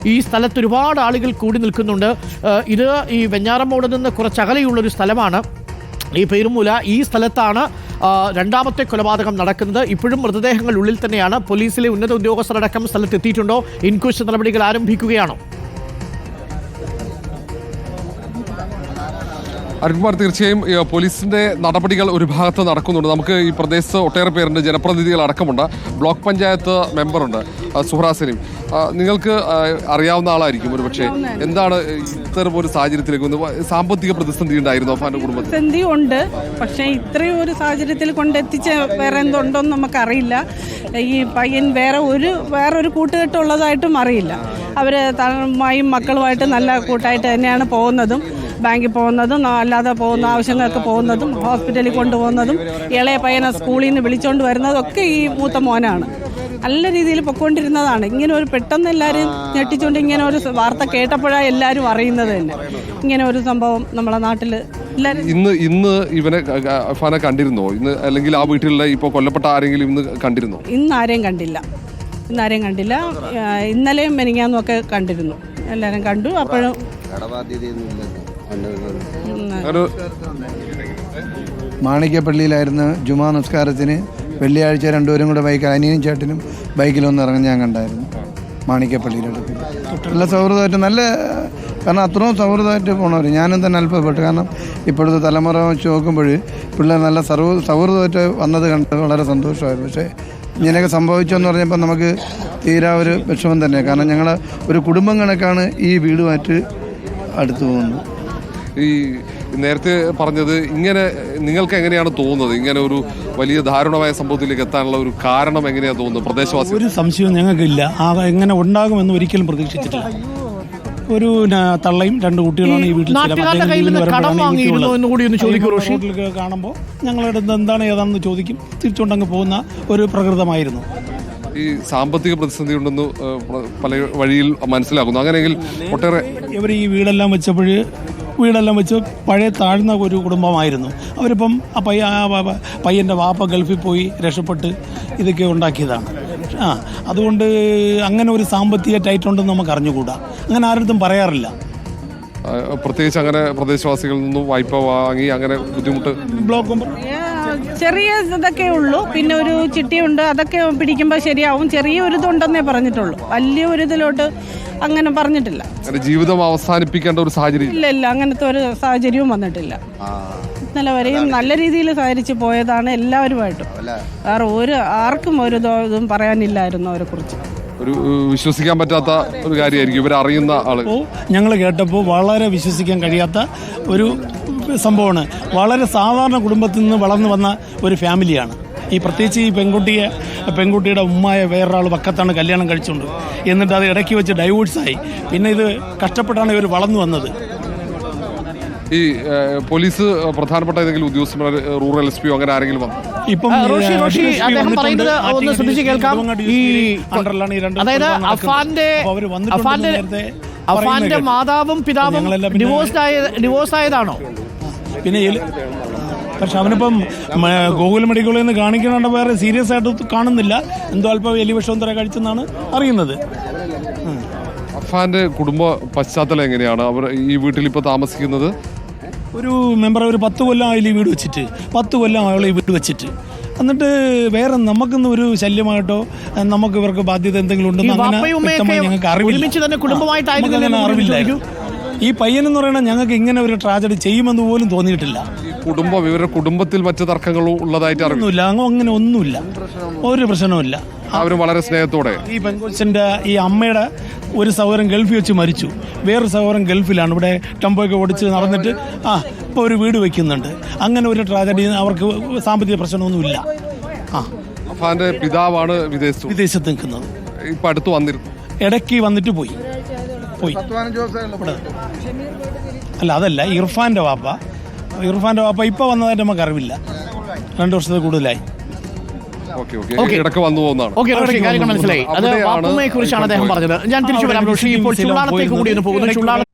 ഈ സ്ഥലത്ത് ഒരുപാട് ആളുകൾ കൂടി നിൽക്കുന്നുണ്ട്. ഇത് ഈ വെഞ്ഞാറമ്മൂട് നിന്ന് കുറച്ചകലെയുള്ളൊരു സ്ഥലമാണ് ഈ പേരുമൂല. ഈ സ്ഥലത്താണ് രണ്ടാമത്തെ കൊലപാതകം നടക്കുന്നത്. ഇപ്പോഴും മൃതദേഹങ്ങൾ ഉള്ളിൽ തന്നെയാണ്. പോലീസിലെ ഉന്നത ഉദ്യോഗസ്ഥരടക്കം സ്ഥലത്തെത്തിയിട്ടുണ്ടോ? ഇൻക്വസ്റ്റ് നടപടികൾ ആരംഭിക്കുകയാണോ? അരുൺകുമാർ, തീർച്ചയായും പോലീസിന്റെ നടപടികൾ ഒരു ഭാഗത്ത് നടക്കുന്നുണ്ട്. നമുക്ക് ഈ പ്രദേശത്ത് ഒട്ടേറെ പേരുണ്ട്, ജനപ്രതിനിധികൾ അടക്കമുണ്ട്, ബ്ലോക്ക് പഞ്ചായത്ത് മെമ്പറുണ്ട് സുഹ്റാ സലീം. നിങ്ങൾക്ക് അറിയാവുന്ന ആളായിരിക്കും ഒരു പക്ഷേ. എന്താണ് ഇത്തരം ഒരു സാഹചര്യത്തിലേക്ക് സാമ്പത്തിക പ്രതിസന്ധി ഉണ്ടായിരുന്നു അഫാന്റെ കുടുംബത്തിൽ? പ്രതിസന്ധി ഉണ്ട്, പക്ഷേ ഇത്രയും ഒരു സാഹചര്യത്തിൽ കൊണ്ടെത്തിച്ച വേറെ എന്തുണ്ടോന്ന് നമുക്കറിയില്ല. ഈ പയ്യൻ വേറൊരു കൂട്ടുകെട്ടുള്ളതായിട്ടും അറിയില്ല. അവർ തമ്മായും മക്കളുമായിട്ട് നല്ല കൂട്ടായിട്ട് തന്നെയാണ് പോകുന്നതും, ബാങ്കിൽ പോകുന്നതും അല്ലാതെ പോകുന്ന ആവശ്യങ്ങൾക്ക് പോകുന്നതും ഹോസ്പിറ്റലിൽ കൊണ്ടുപോകുന്നതും ഇളയ പയ്യനെ സ്കൂളിൽ നിന്ന് വിളിച്ചുകൊണ്ട് വരുന്നതും ഒക്കെ ഈ മൂത്ത മോനാണ്. നല്ല രീതിയിൽ പൊയ്ക്കൊണ്ടിരുന്നതാണ്. ഇങ്ങനെ ഒരു പെട്ടെന്ന് എല്ലാവരും ഞെട്ടിച്ചുകൊണ്ട് ഇങ്ങനെ ഒരു വാർത്ത കേട്ടപ്പോഴാണ് എല്ലാവരും അറിയുന്നത് തന്നെ. ഇങ്ങനെ ഒരു സംഭവം നമ്മളെ നാട്ടിൽ ഇന്ന് ഇവനെ അഫാനെ കണ്ടിരുന്നോ? ഇന്ന് അല്ലെങ്കിൽ ആ വീട്ടിലുള്ള ഇപ്പോൾ കൊല്ലപ്പെട്ട ആരെങ്കിലും ഇന്ന് കണ്ടിരുന്നോ? ഇന്നാരെയും കണ്ടില്ല. ഇന്നലെയും മെനിങ്ങാന്നും ഒക്കെ കണ്ടിരുന്നു. എല്ലാവരും കണ്ടു. അപ്പോഴും മാണിക്യപ്പള്ളിയിലായിരുന്നു ജുമാ നമസ്കാരത്തിന്. വെള്ളിയാഴ്ച രണ്ടുപേരും കൂടെ അനിയനും ചേട്ടനും ബൈക്കിലൊന്ന് ഇറങ്ങി ഞാൻ കണ്ടായിരുന്നു മാണിക്യപ്പള്ളിയിലടുത്ത്. നല്ല സൗഹൃദമായിട്ട് കാരണം അത്രയും സൗഹൃദമായിട്ട് പോണവർ. ഞാനും തന്നെ അല്പപ്പെട്ടു. കാരണം ഇപ്പോഴത്തെ തലമുറ വെച്ച് നോക്കുമ്പോൾ പിള്ളേർ നല്ല സൗഹൃദമായിട്ട് വന്നത് കണ്ട് വളരെ സന്തോഷമായിരുന്നു. പക്ഷേ ഇങ്ങനെയൊക്കെ സംഭവിച്ചെന്ന് പറഞ്ഞപ്പോൾ നമുക്ക് തീരാ ഒരു വിഷമം തന്നെയാണ്. കാരണം ഞങ്ങൾ ഒരു കുടുംബം കണക്കാണ് ഈ വീടുമായിട്ട് അടുത്ത് പോകുന്നത്. ഈ നേരത്തെ പറഞ്ഞത് ഇങ്ങനെ നിങ്ങൾക്ക് എങ്ങനെയാണ് തോന്നുന്നത്? ഇങ്ങനെ ഒരു വലിയ ദാരുണമായ സംഭവത്തിലേക്ക് എത്താനുള്ള ഒരു കാരണം എങ്ങനെയാണ് തോന്നുന്നത്? പ്രദേശവാസി ഒരു സംശയവും ഞങ്ങൾക്കില്ല. എങ്ങനെ ഉണ്ടാകുമെന്ന് ഒരിക്കലും പ്രതീക്ഷിച്ചിട്ടില്ല. ഒരു തള്ളയും രണ്ട് കുട്ടികളാണ് ഈ വീട്ടിൽ കാണുമ്പോൾ ഞങ്ങളുടെ എന്താണ് ഏതാണെന്ന് ചോദിക്കും. തിരിച്ചുകൊണ്ടങ്ങ് പോകുന്ന ഒരു പ്രകൃതമായിരുന്നു. ഈ സാമ്പത്തിക പ്രതിസന്ധി ഉണ്ടെന്ന് പല വഴിയിൽ മനസ്സിലാക്കുന്നു. അങ്ങനെയെങ്കിൽ ഒട്ടേറെ ഇവർ ഈ വീടെല്ലാം വെച്ച് പഴയ താഴ്ന്ന ഒരു കുടുംബമായിരുന്നു. അവരിപ്പം പയ്യൻ്റെ വാപ്പ ഗൾഫിൽ പോയി രക്ഷപ്പെട്ട് ഇതൊക്കെ ഉണ്ടാക്കിയതാണ്. അതുകൊണ്ട് അങ്ങനെ ഒരു സാമ്പത്തിക ടൈറ്റുണ്ടെന്ന് നമുക്ക് അറിഞ്ഞുകൂടാ. അങ്ങനെ ആരുടെ പറയാറില്ല. പ്രത്യേകിച്ച് അങ്ങനെ പ്രദേശവാസികളിൽ നിന്നും വായ്പ വാങ്ങി അങ്ങനെ ബുദ്ധിമുട്ട് ചെറിയ ഇതൊക്കെ ഉള്ളൂ. പിന്നെ ഒരു ചിട്ടിയുണ്ട്, അതൊക്കെ പിടിക്കുമ്പോൾ ശരിയാവും. ചെറിയ ഒരു ഇതുണ്ടെന്നേ പറഞ്ഞിട്ടുള്ളൂ. വലിയ ഒരു ഇതിലോട്ട് അങ്ങനെ പറഞ്ഞിട്ടില്ല. ജീവിതം അവസാനിപ്പിക്കേണ്ട ഒരു സാഹചര്യം ഇല്ല, അങ്ങനത്തെ ഒരു സാഹചര്യവും വന്നിട്ടില്ല. ഇന്നലെ വരെയും നല്ല രീതിയിൽ സഹകരിച്ച് പോയതാണ് എല്ലാവരുമായിട്ടും. വേറെ ആർക്കും ഒരു ഇതും പറയാനില്ലായിരുന്നു അവരെ കുറിച്ച്. ഒരു വിശ്വസിക്കാൻ പറ്റാത്ത ഒരു കാര്യമായിരിക്കും ഇവർ അറിയുന്ന ആള്. ഞങ്ങൾ കേട്ടപ്പോൾ വളരെ വിശ്വസിക്കാൻ കഴിയാത്ത ഒരു സംഭവമാണ്. വളരെ സാധാരണ കുടുംബത്തിൽ നിന്ന് വളർന്നു വന്ന ഒരു ഫാമിലിയാണ് ഈ. പ്രത്യേകിച്ച് ഈ പെൺകുട്ടിയുടെ ഉമ്മായ വേറൊരാൾ പക്കത്താണ് കല്യാണം കഴിച്ചുകൊണ്ട്, എന്നിട്ട് അത് ഇടയ്ക്ക് വെച്ച് ഡൈവോഴ്സായി. പിന്നെ ഇത് കഷ്ടപ്പെട്ടാണ് ഇവർ വളർന്നു വന്നത്. ഈ പോലീസ് പ്രധാനപ്പെട്ട ഏതെങ്കിലും ഉദ്യോഗസ്ഥന്മാർ, റൂറൽ എസ് പിയോ അങ്ങനെ ആരെങ്കിലും വന്നു? ഇപ്പം അദ്ദേഹം പറയുന്നത് ഒന്ന് ശ്രദ്ധിച്ച് കേൾക്കാം. അതായത് അഫാന്റെ മാതാവും പിതാവും ഡിവോഴ്സ് ആയതാണോ? പിന്നെ പക്ഷെ അവനിപ്പം ഗോകുൽ മെഡിക്കലിൽ നിന്ന് കാണിക്കുന്നുണ്ട്. വേറെ സീരിയസ് ആയിട്ട് കാണുന്നില്ല. എന്തോ അല്പം എലിവിഷം തര കഴിച്ചെന്നാണ് അറിയുന്നത്. അഫാന്റെ കുടുംബ പശ്ചാത്തലം എങ്ങനെയാണ്? അവർ ഈ വീട്ടിൽ ഇപ്പോൾ താമസിക്കുന്നത്? ഒരു മെമ്പർ ഒരു 10 കൊല്ലം ആയാലും ഈ വീട് വെച്ചിട്ട് 10 കൊല്ലം ആയാലും ഈ വീട് വെച്ചിട്ട്. എന്നിട്ട് വേറെ നമുക്കൊന്നും ഒരു ശല്യമായിട്ടോ നമുക്ക് ഇവർക്ക് ബാധ്യത എന്തെങ്കിലും ഉണ്ടെന്ന് അങ്ങനെ ഞങ്ങൾക്ക് അറിവില്ല. ഈ പയ്യനെന്ന് പറയുന്നത് ഞങ്ങൾക്ക് ഇങ്ങനെ ഒരു ട്രാജഡി ചെയ്യുമെന്ന് പോലും തോന്നിയിട്ടില്ല. ഇവരുടെ കുടുംബത്തിൽ മറ്റു തർക്കങ്ങളും ഉള്ളതായിട്ട് അറിയുന്നില്ല. അങ്ങനെ ഒന്നുമില്ല, ഒരു പ്രശ്നവുമില്ല. അവരും വളരെ സ്നേഹത്തോടെ. ഈ പെൺകൊച്ചിന്റെ ഈ അമ്മയുടെ ഒരു സഹോദരൻ ഗൾഫിൽ വെച്ച് മരിച്ചു. വേറൊരു സഹോദരൻ ഗൾഫിലാണ്. ഇവിടെ ടെമ്പോയൊക്കെ ഓടിച്ച് നടന്നിട്ട് ഇപ്പോൾ ഒരു വീട് വെക്കുന്നുണ്ട്. അങ്ങനെ ഒരു ട്രാജഡി, അവർക്ക് സാമ്പത്തിക പ്രശ്നമൊന്നുമില്ല. അഫാന്റെ പിതാവാണ് വിദേശത്ത് നിൽക്കുന്നത്. ഇപ്പൊ അടുത്ത് വന്നിരുന്നു, ഇടയ്ക്ക് വന്നിട്ട് പോയി. അല്ല, അതല്ല, ഇർഫാന്റെ വാപ്പ ഇപ്പൊ വന്നതായിട്ട് നമുക്ക് അറിവില്ല. 2 വർഷത്തിൽ കൂടുതലായി. ഇടയ്ക്ക് വന്നു പോകുന്നതാണ്. മനസ്സിലായി. അത് വാപ്പുമ്മയെ കുറിച്ചാണ് അദ്ദേഹം പറഞ്ഞത്. ഞാൻ തിരിച്ചു വരാം. ഇപ്പോൾ ചുള്ളാളത്തേക്ക് കൂടി ഒന്ന് പോകുന്നു.